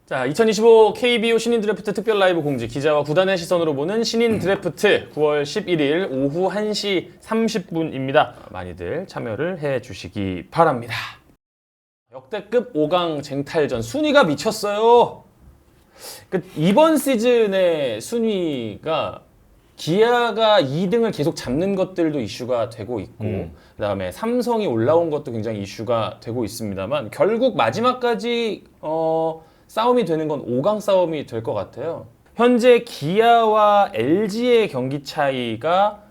자, 2025 KBO 신인 드래프트 특별 라이브 공지 기자와 구단의 시선으로 보는 신인 드래프트 9월 11일 오후 1시 30분입니다. 많이들 참여를 해주시기 바랍니다. 역대급 5강 쟁탈전 순위가 미쳤어요. 이번 시즌의 순위가 기아가 2등을 계속 잡는 것들도 이슈가 되고 있고 그다음에 삼성이 올라온 것도 굉장히 이슈가 되고 있습니다만 결국 마지막까지 싸움이 되는 건 5강 싸움이 될 것 같아요. 현재 기아와 LG의 경기 차이가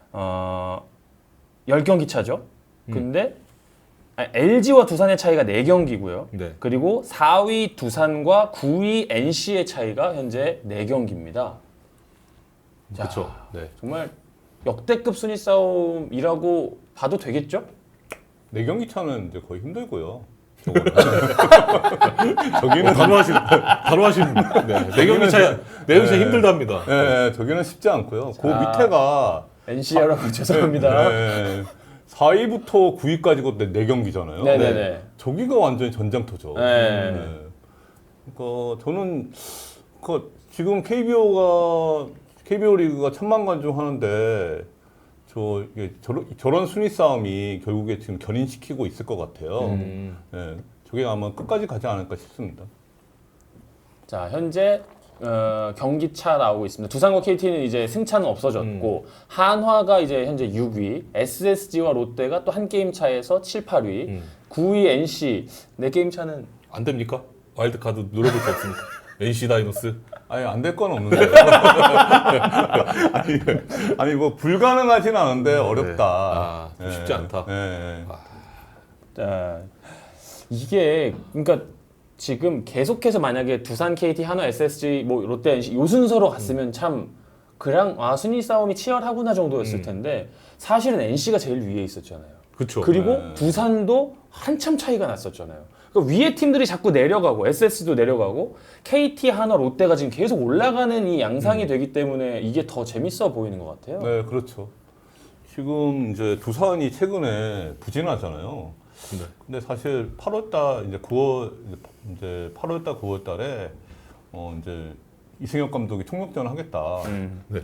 10경기 차죠. 근데 LG와 두산의 차이가 4경기고요. 네. 그리고 4위 두산과 9위 NC의 차이가 현재 4경기입니다. 그렇죠. 네. 정말 역대급 순위 싸움이라고 봐도 되겠죠? 4경기 차는 이제 거의 힘들고요. 저기는 바로 하신 네 경기 차이 힘들답니다. 네, 저기는 쉽지 않고요. 그 밑에가 NC 여러분 죄송합니다. 네, 4위부터 9위까지 그 4경기잖아요. 네네네. 저기가 완전히 전장터죠. 네. 그러니까 저는 지금 KBO 리그가 천만관중 하는데 저런 순위 싸움이 결국에 지금 견인시키고 있을 것 같아요. 네, 저게 아마 끝까지 가지 않을까 싶습니다. 자, 현재 경기차 나오고 있습니다. 두산과 KT는 이제 승차는 없어졌고 한화가 이제 현재 6위, SSG와 롯데가 또 한 게임 차에서 7, 8위, 9위 NC 4게임 차는 안 됩니까? 와일드 카드 노려볼 게 없습니까? NC 다이노스. 아니 안 될 건 없는데. 아니 뭐 불가능하진 않은데 어렵다. 좀 쉽지 않다. 네. 자, 이게 그러니까 지금 계속해서 만약에 두산, KT, 한화, SSG, 뭐 롯데, NC 요 순서로 갔으면 참 그냥 순위 싸움이 치열하구나 정도였을 텐데 사실은 NC가 제일 위에 있었잖아요. 그렇죠. 그리고 두산도 한참 차이가 났었잖아요. 그러니까 위에 팀들이 자꾸 내려가고 SS도 내려가고 KT, 한화, 롯데가 지금 계속 올라가는 이 양상이 되기 때문에 이게 더 재밌어 보이는 것 같아요. 네, 그렇죠. 지금 이제 두산이 최근에 부진하잖아요. 네. 근데 사실 8월달 이제 8월달 9월달에 이제 이승엽 감독이 총력전을 하겠다. 네.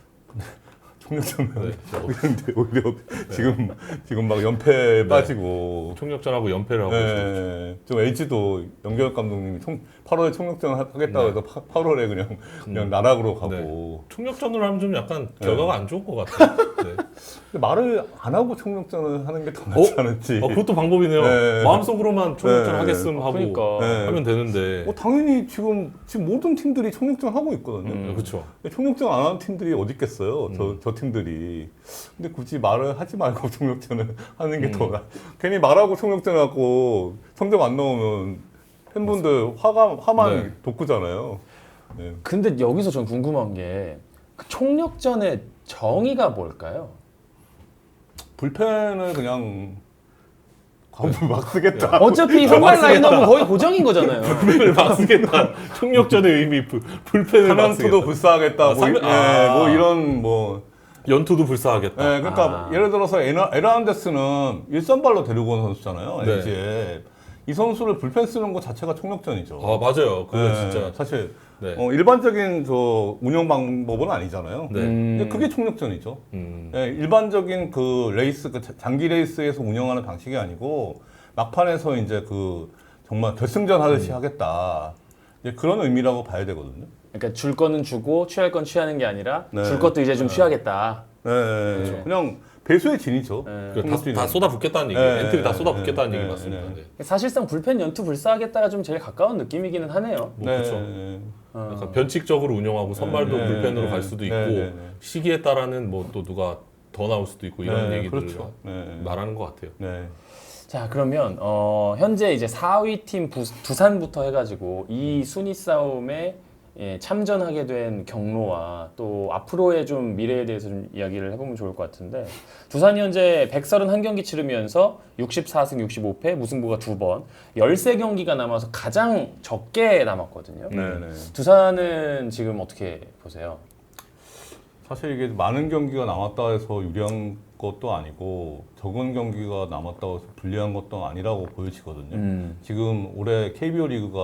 총력전을 근데 오히려 지금 막 연패에 빠지고 총력전하고 연패를 하고 있어요. 네, 좀 LG도 연결 감독님이 8월에 총력전을 하겠다고 해서 8월에 그냥 나락으로 가고. 네. 총력전으로 하면 좀 약간 결과가 안 좋을 것 같아요. 네. 근데 말을 안 하고 총력전을 하는 게 더 낫지 않을지. 그것도 방법이네요. 네. 마음속으로만 총력전 네. 하겠음 하고 그러니까. 네. 하면 되는데. 당연히 지금 모든 팀들이 총력전 하고 있거든요. 그렇죠. 총력전 안 하는 팀들이 어디 있겠어요? 저 팀들이. 근데 굳이 말을 하지 말고 총력전을 하는 게 더 괜히 말하고 총력전하고 성적 안 나오면 팬분들 화만 네. 돋구잖아요. 네. 근데 여기서 전 궁금한 게 그 총력전의 정의가 뭘까요? 불펜을 그냥 막 쓰겠다. 어차피 선발 라인업은 거의 고정인 거잖아요. 불펜을 막 쓰겠다. 총력전의 의미, 불펜을 막 사면투도 쓰겠다. 불사하겠다. 뭐 이런 연투도 불사하겠다. 네, 그러니까 예를 들어서 에르난데스는 1선발로 데리고 온 선수잖아요. 네. LG에. 이 선수를 불펜 쓰는 것 자체가 총력전이죠. 맞아요. 그거 네, 진짜. 사실 네. 일반적인 운영 방법은 아니잖아요. 네. 근데 그게 총력전이죠. 네, 일반적인 레이스, 장기 레이스에서 운영하는 방식이 아니고 막판에서 이제 정말 결승전 하듯이 하겠다. 이제 그런 의미라고 봐야 되거든요. 그러니까 줄 거는 주고 취할 건 취하는 게 아니라 네. 줄 것도 이제 좀 취하겠다. 네, 그냥 배수의 진이죠. 다 쏟아붓겠다는 얘기. 네, 엔트리 다 네, 쏟아붓겠다는 네, 얘기 네, 맞습니다. 네. 네. 사실상 불펜 연투 불사하겠다가 좀 제일 가까운 느낌이기는 하네요. 그렇죠. 약간 변칙적으로 운영하고 선발도 네, 불펜으로 네, 갈 수도 있고 네, 네, 네. 시기에 따라는 또 누가 더 나올 수도 있고 이런 네, 얘기들을 그렇죠. 네. 말하는 것 같아요. 네. 자, 그러면 현재 이제 4위 팀 두산부터 해가지고 이 순위 싸움에 참전하게 된 경로와 또 앞으로의 좀 미래에 대해서 좀 이야기를 해보면 좋을 것 같은데 두산이 현재 131경기 치르면서 64승 65패 무승부가 2번 13경기가 남아서 가장 적게 남았거든요. 네, 네. 두산은 지금 어떻게 보세요? 사실 이게 많은 경기가 남았다 해서 유리한 것도 아니고 적은 경기가 남았다고 해서 불리한 것도 아니라고 보여지거든요. 지금 올해 KBO 리그가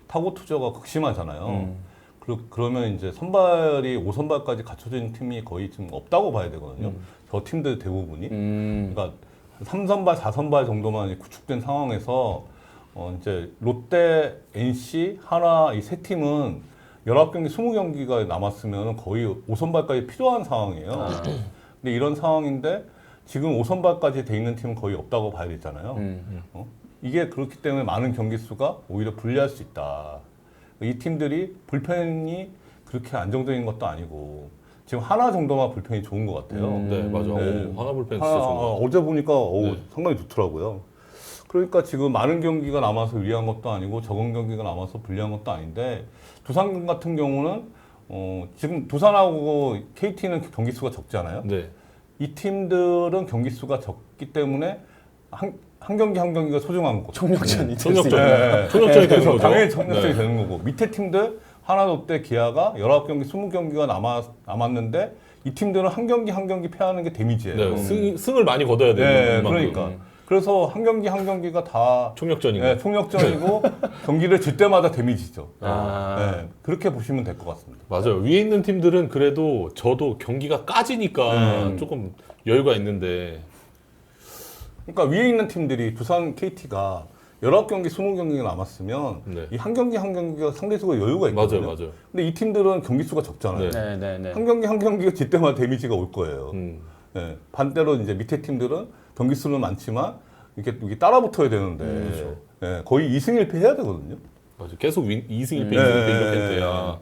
타고 투자가 극심하잖아요. 그러면 이제 선발이 5선발까지 갖춰진 팀이 거의 지금 없다고 봐야 되거든요. 저 팀들 대부분이. 그러니까 3선발, 4선발 정도만 구축된 상황에서 이제 롯데, NC, 한화 이 세 팀은 19경기, 20경기가 남았으면 거의 5선발까지 필요한 상황이에요. 근데 이런 상황인데 지금 5선발까지 돼 있는 팀은 거의 없다고 봐야 되잖아요. 이게 그렇기 때문에 많은 경기 수가 오히려 불리할 수 있다. 이 팀들이 불펜이 그렇게 안정적인 것도 아니고 지금 하나 정도만 불펜이 좋은 것 같아요. 네, 맞아. 네. 오, 하나 불펜 진짜 좋은 거. 어제 보니까 네. 상당히 좋더라고요. 그러니까 지금 많은 경기가 남아서 유리한 것도 아니고 적은 경기가 남아서 불리한 것도 아닌데 두산 같은 경우는 지금 두산하고 KT는 경기 수가 적잖아요. 네. 이 팀들은 경기 수가 적기 때문에 한 경기 한 경기가 소중한 거죠. 총력전이 총력전. 네. 총력전이 되는 그래서 거죠. 당연히 총력전이 네. 되는 거고 밑에 팀들 하나, 롯데, 기아가 19경기, 20경기가 남았는데 이 팀들은 한 경기 한 경기 패하는 게 데미지예요. 네, 승을 많이 거둬야 돼요. 네, 그만큼. 그러니까. 그래서 한 경기 한 경기가 다 총력전이고. 네, 총력전이고 경기를 질 때마다 데미지죠. 아. 그렇게 보시면 될 것 같습니다. 맞아요. 위에 있는 팀들은 그래도 저도 경기가 까지니까 조금 여유가 있는데. 그러니까 위에 있는 팀들이 두산 KT가 19경기, 20경기가 남았으면 네. 이 한 경기 한 경기가 상대적으로 여유가 있거든요. 맞아요, 맞아요. 근데 이 팀들은 경기 수가 적잖아요. 네. 네네네. 한 경기 한 경기가 질 때마다 데미지가 올 거예요. 네. 반대로 이제 밑에 팀들은 경기 수는 많지만 이게 따라 붙어야 되는데 네, 거의 2승 1패 해야 되거든요. 맞아. 계속 2승 1패, 2승 1패 네. 이렇게 돼야.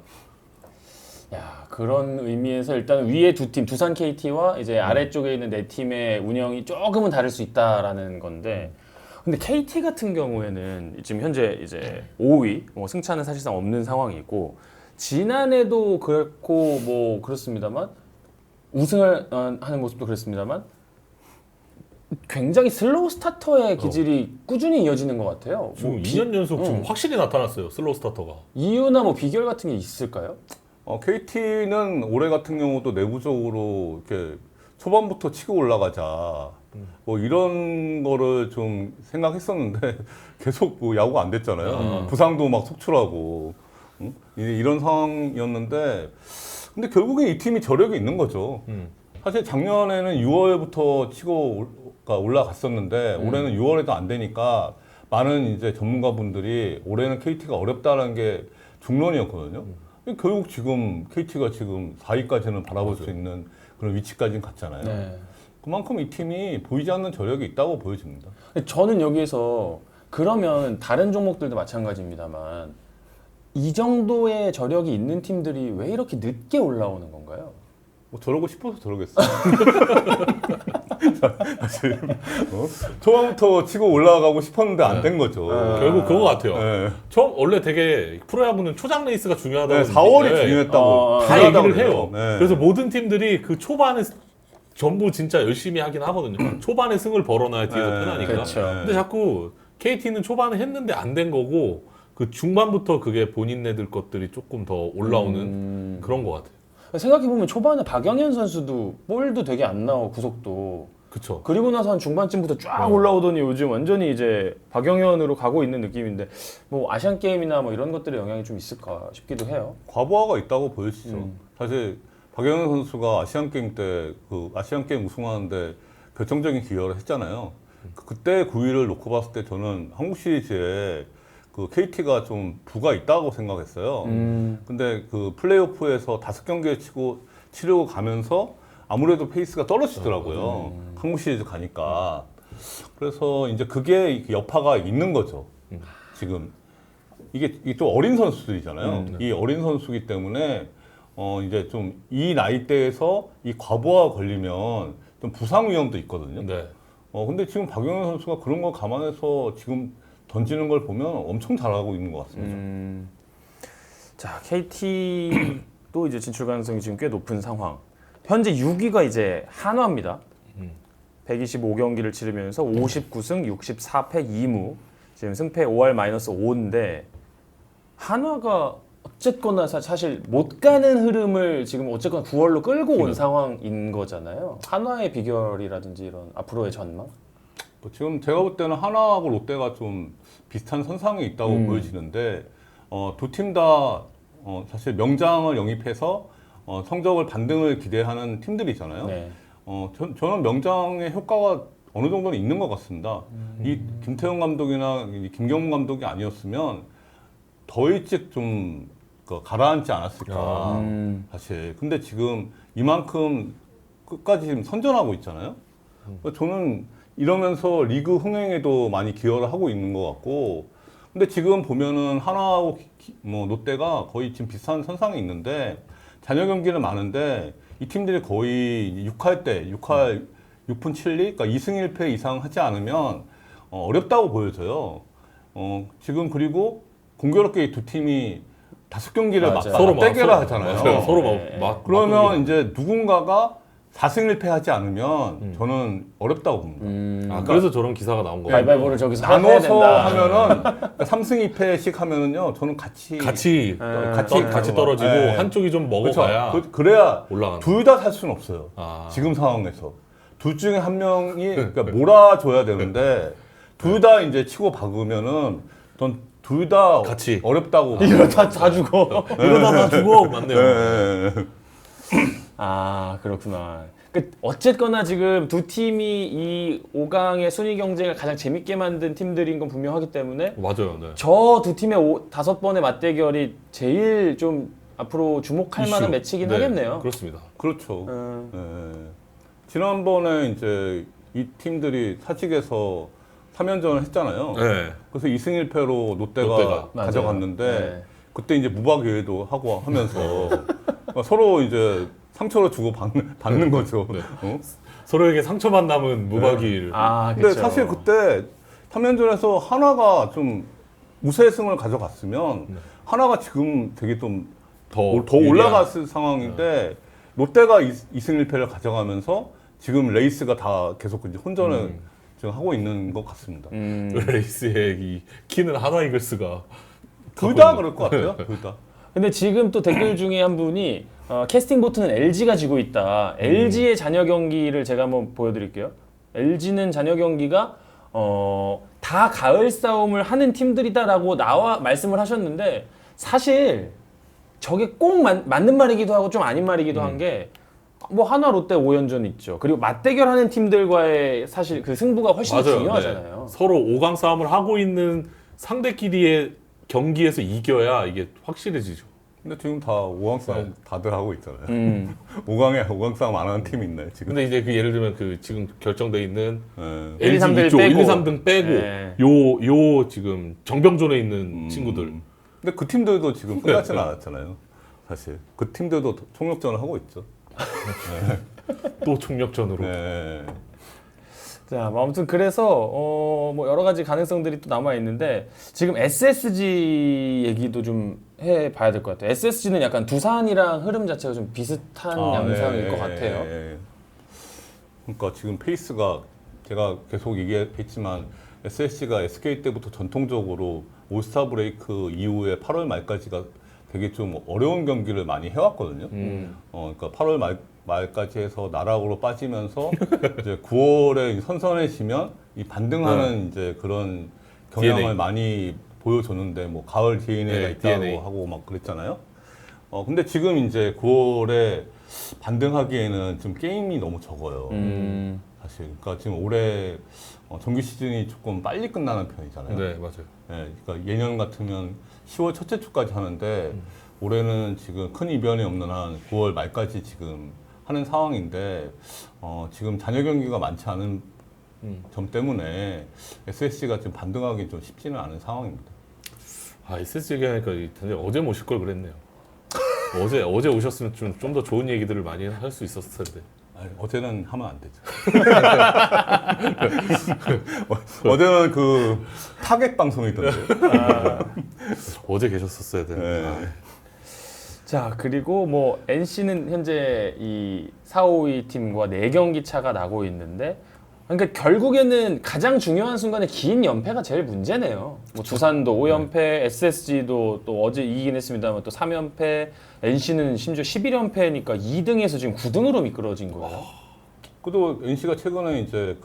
야, 그런 의미에서 일단 위에 두 팀, 두산 KT와 이제 아래쪽에 있는 네 팀의 운영이 조금은 다를 수 있다라는 건데, 근데 KT 같은 경우에는 지금 현재 이제 5위, 뭐 승차는 사실상 없는 상황이고, 지난해도 그렇고 뭐 그렇습니다만 우승을 하는 모습도 그랬습니다만 굉장히 슬로우 스타터의 기질이 꾸준히 이어지는 것 같아요. 지금 뭐 2년 연속 지금 확실히 나타났어요. 슬로우 스타터가. 이유나 뭐 비결 같은 게 있을까요? KT는 올해 같은 경우도 내부적으로 이렇게 초반부터 치고 올라가자 뭐 이런 거를 좀 생각했었는데 계속 뭐 야구가 안 됐잖아요. 부상도 막 속출하고 이런 상황이었는데 근데 결국에 이 팀이 저력이 있는 거죠. 사실 작년에는 6월부터 치고 올라갔었는데 올해는 6월에도 안 되니까 많은 이제 전문가분들이 올해는 KT가 어렵다는 게 중론이었거든요. 결국 지금 KT가 지금 4위까지는 바라볼 수 있는 그런 위치까지는 갔잖아요. 네. 그만큼 이 팀이 보이지 않는 저력이 있다고 보여집니다. 저는 여기에서 그러면 다른 종목들도 마찬가지입니다만 이 정도의 저력이 있는 팀들이 왜 이렇게 늦게 올라오는 건가요? 뭐 저러고 싶어서 저러겠어요. 사실 초반부터 치고 올라가고 싶었는데 안 된 거죠. 결국 그거 같아요. 네. 처음 원래 되게 프로야구는 초장 레이스가 중요하다고 네, 4월이 네, 중요했다고 다 중요하다고 얘기를 해요. 그래요. 네. 그래서 모든 팀들이 그 초반에 전부 진짜 열심히 하긴 하거든요. 초반에 승을 벌어놔야 뒤에서 네, 편하니까. 그렇죠. 근데 자꾸 KT는 초반에 했는데 안 된 거고 그 중반부터 그게 본인네들 것들이 조금 더 올라오는 그런 것 같아요. 생각해보면 초반에 박영현 선수도 볼도 되게 안 나오고 구속도 그쵸. 그리고 나서 한 중반쯤부터 쫙 올라오더니 요즘 완전히 이제 박영현으로 가고 있는 느낌인데 뭐 아시안 게임이나 뭐 이런 것들의 영향이 좀 있을까 싶기도 해요. 과부하가 있다고 보여지죠. 사실 박영현 선수가 아시안 게임 때 그 아시안 게임 우승하는데 결정적인 기여를 했잖아요. 그때 9위를 놓고 봤을 때 저는 한국 시리즈에 그 KT가 좀 부가 있다고 생각했어요. 근데 그 플레이오프에서 5경기를 치려고 가면서 아무래도 페이스가 떨어지더라고요. 한국 시리즈 가니까. 그래서 이제 그게 여파가 있는 거죠. 지금 이게 좀 어린 선수들이잖아요. 이 어린 선수기 때문에 이제 좀 이 나이대에서 이 과부하 걸리면 좀 부상 위험도 있거든요. 네. 근데 지금 박영현 선수가 그런 걸 감안해서 지금 던지는 걸 보면 엄청 잘하고 있는 것 같습니다. 자, KT도 이제 진출 가능성이 지금 꽤 높은 상황. 현재 6위가 이제 한화입니다. 125경기를 치르면서 59승 64패 2무. 지금 승패 5할-5인데 한화가 어쨌거나 사실 못 가는 흐름을 지금 어쨌거나 9월로 끌고 온 상황인 거잖아요. 한화의 비결이라든지 이런 앞으로의 전망? 지금 제가 볼 때는 하나하고 롯데가 좀 비슷한 선상에 있다고 보여지는데 두 팀 다 사실 명장을 영입해서 성적을 반등을 기대하는 팀들이잖아요. 네. 저는 명장의 효과가 어느 정도는 있는 것 같습니다. 이 김태형 감독이나 이 김경문 감독이 아니었으면 더 일찍 좀 가라앉지 않았을까 사실. 근데 지금 이만큼 끝까지 지금 선전하고 있잖아요. 저는 이러면서 리그 흥행에도 많이 기여를 하고 있는 것 같고, 근데 지금 보면은 하나하고 뭐 롯데가 거의 지금 비슷한 선상에 있는데 잔여 경기는 많은데 이 팀들이 거의 6할 때 6분 7리, 그러니까 2승 1패 이상 하지 않으면 어렵다고 보여져요. 지금 그리고 공교롭게 이 두 팀이 5경기를 맞아요. 서로 떼개를 하잖아요. 맞아요. 서로 네. 그러면 이제 누군가가 4승 1패 하지 않으면 저는 어렵다고 봅니다. 그래서 저런 기사가 나온 거예요. 가위바위보를 저기서 해야 나눠서 된다. 하면은 3승 2패씩 하면은요, 저는 같이 같이 떨어지고 네. 한쪽이 좀 먹어가야 그래야 올라가는. 둘 다 살 수는 없어요. 아. 지금 상황에서 둘 중에 한 명이 그러니까 몰아줘야 되는데 둘 다 이제 치고 박으면은 전 둘 다 같이. 어렵다고. 이러다 다 죽어. 이러다 나 죽어. 맞네요. 네. 아 그렇구나. 어쨌거나 지금 두 팀이 이 5강의 순위 경쟁을 가장 재밌게 만든 팀들인 건 분명하기 때문에 맞아요. 네. 저 두 팀의 5번의 맞대결이 제일 좀 앞으로 주목할 만한 매치긴 네, 하겠네요. 그렇습니다. 그렇죠. 네. 지난번에 이제 이 팀들이 사직에서 3연전을 했잖아요. 네. 그래서 2승 1패로 롯데가 롯데가. 가져갔는데 네. 그때 이제 무박유예도 하고 하면서 서로 이제 상처를 주고 받는 거죠. 네. 서로에게 상처만 남은 무박이를. 아 근데 그렇죠. 사실 그때 3연전에서 하나가 좀 우세승을 가져갔으면 하나가 지금 되게 좀 더 올라갔을 상황인데 롯데가 2승 1패를 가져가면서 지금 레이스가 다 계속 이제 혼전을 지금 하고 있는 것 같습니다. 레이스의 이 키는 하나 이글스가 둘 다 그럴 것 같아요. 둘 다. 근데 지금 또 댓글 중에 한 분이 캐스팅 보트는 LG가 지고 있다. LG의 잔여 경기를 제가 한번 보여드릴게요. LG는 잔여 경기가 다 가을 싸움을 하는 팀들이다라고 나와 말씀을 하셨는데 사실 저게 꼭 맞는 말이기도 하고 좀 아닌 말이기도 한 게 뭐 하나 롯데 5연전 있죠. 그리고 맞대결하는 팀들과의 사실 그 승부가 훨씬 더 맞아요. 중요하잖아요. 네. 서로 5강 싸움을 하고 있는 상대끼리의 경기에서 이겨야 이게 확실해지죠. 근데 지금 다 5강 싸움 다들 하고 있잖아요. 5강에 싸움 안 하는 팀이 있나요, 지금? 근데 이제 그 예를 들면 그 지금 결정돼 있는 네. 1, 2, 3 등 이쪽 빼고. 1, 2, 3등 빼고 네. 요 지금 정병존에 있는 친구들. 근데 그 팀들도 지금 끝나지는 않았잖아요. 사실 그 팀들도 총력전을 하고 있죠. 또 총력전으로. 네. 자, 뭐 아무튼 그래서 뭐 여러 가지 가능성들이 또 남아 있는데 지금 SSG 얘기도 좀 해봐야 될 것 같아요. SSG는 약간 두산이랑 흐름 자체가 좀 비슷한 양상일 것 같아요. 네. 그러니까 지금 페이스가 제가 계속 얘기했지만 SSG가 SK 때부터 전통적으로 올스타 브레이크 이후에 8월 말까지가 되게 좀 어려운 경기를 많이 해왔거든요. 그러니까 8월 말까지 해서 나락으로 빠지면서 이제 9월에 선선해지면 이 반등하는 이제 그런 경향을 DNA. 많이 보여줬는데 뭐 가을 DNA가 네, 있다고 DNA. 하고 막 그랬잖아요. 근데 지금 이제 9월에 반등하기에는 좀 게임이 너무 적어요. 사실. 그러니까 지금 올해 정규 시즌이 조금 빨리 끝나는 편이잖아요. 네, 맞아요. 네, 그러니까 예년 같으면 10월 첫째 주까지 하는데 올해는 지금 큰 이변이 없는 한 9월 말까지 지금 하는 상황인데 지금 잔여 경기가 많지 않은 점 때문에 SSG가 지금 반등하기 좀 쉽지는 않은 상황입니다. 아, SSG 얘기하니까 어제 모실 걸 그랬네요. 어제 오셨으면 좀 더 좋은 얘기들을 많이 할 수 있었을 텐데. 아니, 어제는 하면 안 되죠. 어제는 그 타겟 방송이던데. 어제 계셨었어야 되는데. 네. 자, 그리고 뭐 NC는 현재 이 4, 5위 팀과 4경기 차가 나고 있는데 그러니까 결국에는 가장 중요한 순간에 긴 연패가 제일 문제네요. 뭐 두산도 5연패, SSG도 또 어제 이기긴 했습니다만 또 3연패, NC는 심지어 11연패니까 2등에서 지금 9등으로 미끄러진 거예요. 그래도 NC가 최근에 이제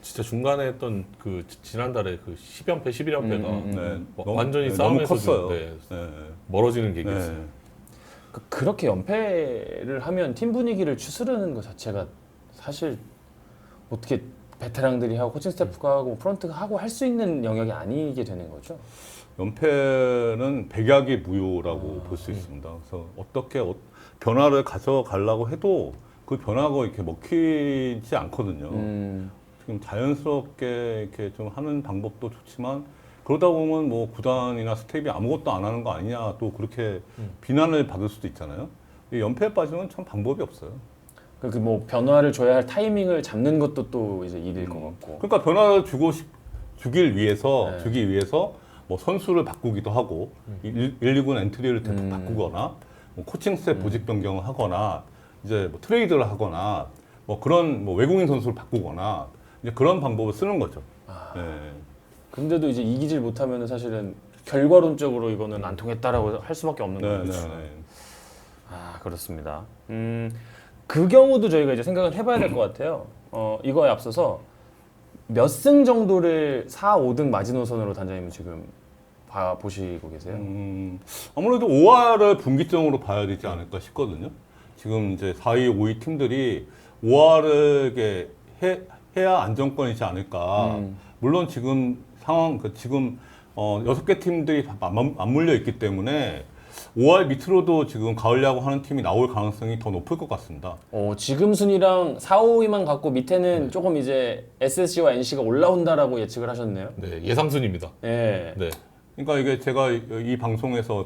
진짜 중간에 했던 그 지난달에 그 10연패, 11연패가 네. 완전히 너무 싸움에서 컸어요. 네, 네. 멀어지는 계기였어요. 네. 그렇게 연패를 하면 팀 분위기를 추스르는 것 자체가 사실 어떻게 베테랑들이 하고 코칭 스태프가 하고 프런트가 하고 할 수 있는 영역이 아니게 되는 거죠. 연패는 백약의 무효라고 볼 수 있습니다. 그래서 어떻게 변화를 가져가려고 해도 그 변화가 이렇게 먹히지 않거든요. 지금 자연스럽게 이렇게 좀 하는 방법도 좋지만 그러다 보면 뭐 구단이나 스텝이 아무것도 안 하는 거 아니냐 또 그렇게 비난을 받을 수도 있잖아요. 이 연패에 빠지면 참 방법이 없어요. 그 뭐 변화를 줘야 할 타이밍을 잡는 것도 또 이제 일일 것 같고. 그러니까 변화를 주기 위해서 네. 뭐 선수를 바꾸기도 하고 119 엔트리를 대폭 바꾸거나 뭐 코칭 스텝 보직 변경을 하거나 이제 뭐 트레이드를 하거나 뭐 그런 뭐 외국인 선수를 바꾸거나 이제 그런 방법을 쓰는 거죠. 네. 근데도 이제 이기질 못하면 사실은 결과론적으로 이거는 안 통했다라고 할 수밖에 없는 네, 거죠. 네, 네. 아, 그렇습니다. 그 경우도 저희가 이제 생각을 해봐야 될 것 같아요. 이거에 앞서서 몇 승 정도를 4, 5등 마지노선으로 단장님은 지금 보시고 계세요? 아무래도 5화를 분기점으로 봐야 되지 않을까 싶거든요. 지금 이제 4위, 5위 팀들이 5화를 해야 안정권이지 않을까. 물론 지금 상황, 지금 6개 팀들이 다 맞물려 있기 때문에 5할 밑으로도 지금 가을 야구 하는 팀이 나올 가능성이 더 높을 것 같습니다. 지금 순위랑 4, 5위만 갖고 밑에는 조금 이제 SSG와 NC가 올라온다라고 예측을 하셨네요. 네, 예상순입니다. 네. 네. 그러니까 이게 제가 이 방송에서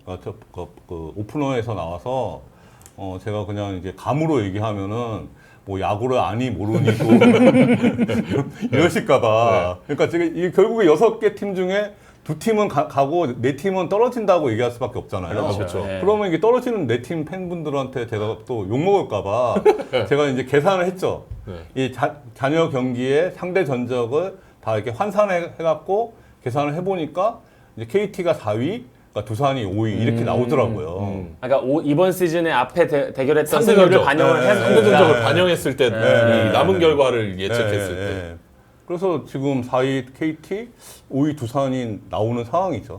오프너에서 나와서 제가 그냥 이제 감으로 얘기하면은 뭐 야구를 아니 모르니도 이러실까봐. 그러니까 지금 이 결국에 6개 팀 중에 2팀은 가고 4팀은 떨어진다고 얘기할 수밖에 없잖아요. 그렇죠. 네. 그러면 이게 떨어지는 4팀 팬분들한테 제가 또 욕먹을까봐 제가 이제 계산을 했죠. 네. 이 잔여 경기의 상대 전적을 다 이렇게 환산해갖고 계산을 해보니까 이제 KT가 4위, 그러니까 두산이 5위 이렇게 나오더라고요. 그러니까 이번 시즌에 앞에 대결했던 상대 승률을 전적. 반영을 네. 해서 상대 전적을 반영했을 때 네. 이 남은 결과를 예측했을 네, 때 네. 그래서 지금 4위 KT, 5위 두산이 나오는 상황이죠.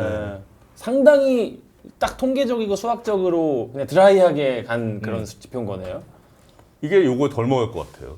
상당히 딱 통계적이고 수학적으로 그냥 드라이하게 간 그런 지표인 거네요. 이게 요거 덜 먹을 것 같아요.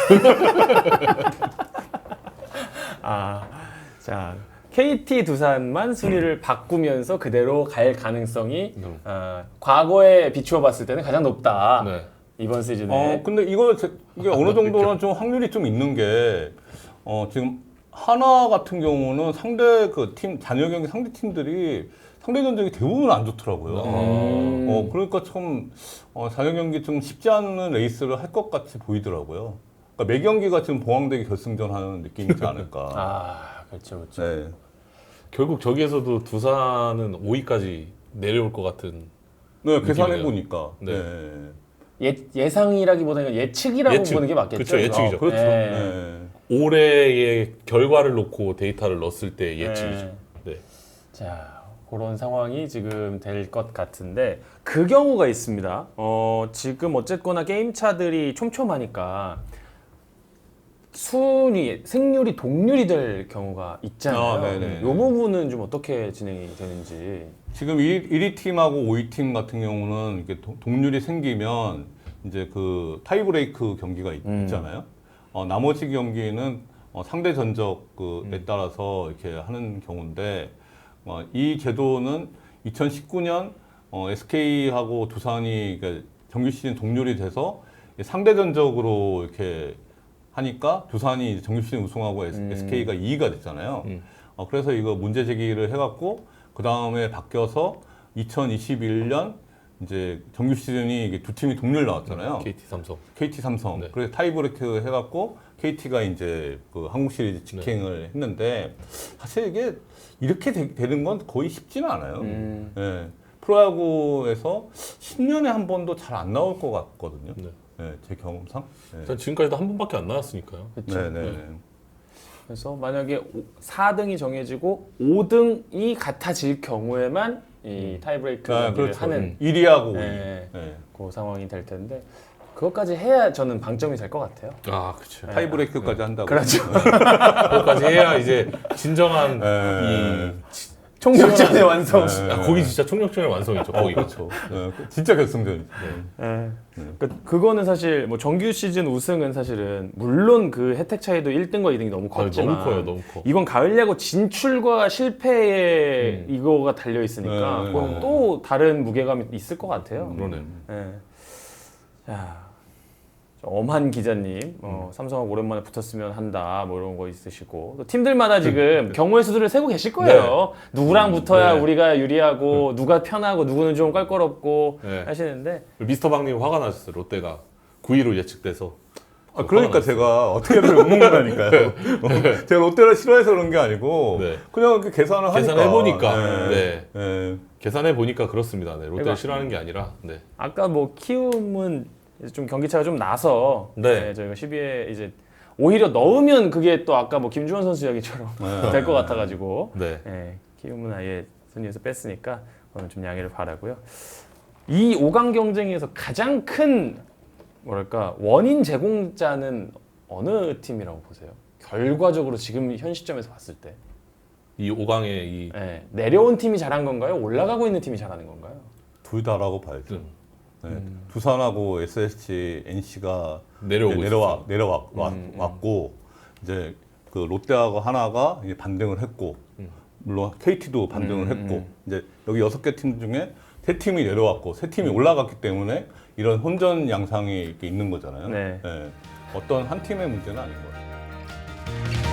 자, KT 두산만 순위를 바꾸면서 그대로 갈 가능성이 과거에 비추어 봤을 때는 가장 높다. 네. 이번 시즌에. 근데 이게 어느 정도는 좀 확률이 좀 있는 게, 지금 하나 같은 경우는 상대 잔여 경기 상대 팀들이 상대 전적이 대부분 안 좋더라고요. 그러니까 참, 잔여 경기 좀 쉽지 않은 레이스를 할 것 같이 보이더라고요. 그러니까 매 경기가 지금 봉황대기 결승전 하는 느낌이지 않을까. 그렇죠, 그렇죠. 네. 결국 저기에서도 두산은 5위까지 내려올 것 같은. 네, 계산해 느낌이네요. 보니까. 네. 네. 예상이라기보다는 예측이라고 예측. 보는 게 맞겠죠. 그렇죠, 예측이죠. 그렇죠. 네. 네. 올해의 결과를 놓고 데이터를 넣었을 때 예측이죠. 네. 자, 그런 상황이 지금 될 것 같은데 그 경우가 있습니다. 지금 어쨌거나 게임차들이 촘촘하니까 승률이 동률이 될 경우가 있잖아요. 네네. 이 부분은 좀 어떻게 진행이 되는지. 지금 1위 팀하고 5위 팀 같은 경우는 이렇게 동률이 생기면 이제 그 타이브레이크 경기가 있잖아요. 나머지 경기는 상대 전적에 따라서 이렇게 하는 경우인데 이 제도는 2019년 SK하고 두산이 그러니까 정규 시즌 동률이 돼서 상대 전적으로 이렇게 하니까 두산이 정규 시즌 우승하고 SK가 2위가 됐잖아요. 그래서 이거 문제 제기를 해갖고 그 다음에 바뀌어서 2021년 이제 정규 시즌이 이게 두 팀이 동률 나왔잖아요. KT 삼성. 네. 그래서 타이브레이크 해갖고 KT가 이제 그 한국 시리즈 직행을 했는데 사실 이게 이렇게 되는 건 거의 쉽지는 않아요. 예. 프로야구에서 10년에 한 번도 잘 안 나올 것 같거든요. 네. 예, 제 경험상. 예. 일단 지금까지도 한 번밖에 안 나왔으니까요. 그렇죠. 네. 그래서 만약에 4등이 정해지고 5등이 같아질 경우에만 이 타이브레이크 경기를 그렇죠. 하는 1위하고 5위. 네. 예. 그 상황이 될 텐데 그것까지 해야 저는 방점이 될 것 같아요. 아, 그렇죠. 타이브레이크까지 한다고. 그렇죠. 그것까지 해야 이제 진정한 예. 총력전의 완성. 거기 진짜 총력전의 완성이죠. 거기가. 그렇죠. 진짜 결승전이죠. 그거는 사실 뭐 정규 시즌 우승은 사실은 물론 그 혜택 차이도 1등과 2등이 너무 컸지만 너무 커요, 너무 커. 이건 가을 야구 진출과 실패에 이거가 달려 있으니까 네, 그건 네. 또 다른 무게감이 있을 것 같아요. 그러네. 네. 자, 엄한 기자님, 삼성하고 오랜만에 붙었으면 한다, 뭐 이런 거 있으시고 또 팀들마다 지금 경우의 수들을 세고 계실 거예요. 누구랑 붙어야 네. 우리가 유리하고 누가 편하고 누구는 좀 껄끄럽고 네. 하시는데 미스터 박님 화가 나셨어요. 롯데가 9위로 예측돼서. 그러니까 제가 어떻게든 욕먹는다니까요. 제가 롯데를 싫어해서 그런 게 아니고 네. 그냥 이렇게 계산을 하니까. 계산해보니까. 네. 네. 계산해 보니까 그렇습니다. 네. 롯데를 그러니까- 싫어하는 게 아니라. 네. 아까 뭐 키움은 이제 좀 경기차가 좀 나서 네. 저희가 12회 이제 오히려 넣으면 그게 또 아까 뭐 김주원 선수 이야기처럼 될 것 같아가지고 네. 키움은 아예 순위에서 뺐으니까 오늘 좀 양해를 바라고요. 이 5강 경쟁에서 가장 큰 뭐랄까 원인 제공자는 어느 팀이라고 보세요? 결과적으로 지금 현 시점에서 봤을 때 이 5강에 이 내려온 팀이 잘한 건가요? 올라가고 있는 팀이 잘하는 건가요? 둘 다라고 봐야죠. 네. 두산하고 SSG, NC가 내려왔고 이제 그 롯데하고 하나가 이제 반등을 했고 물론 KT도 반등을 했고 이제 여기 6개 팀 중에 3팀이 내려왔고 3팀이 올라갔기 때문에 이런 혼전 양상이 이렇게 있는 거잖아요. 네. 어떤 한 팀의 문제는 아닌 것 같아요.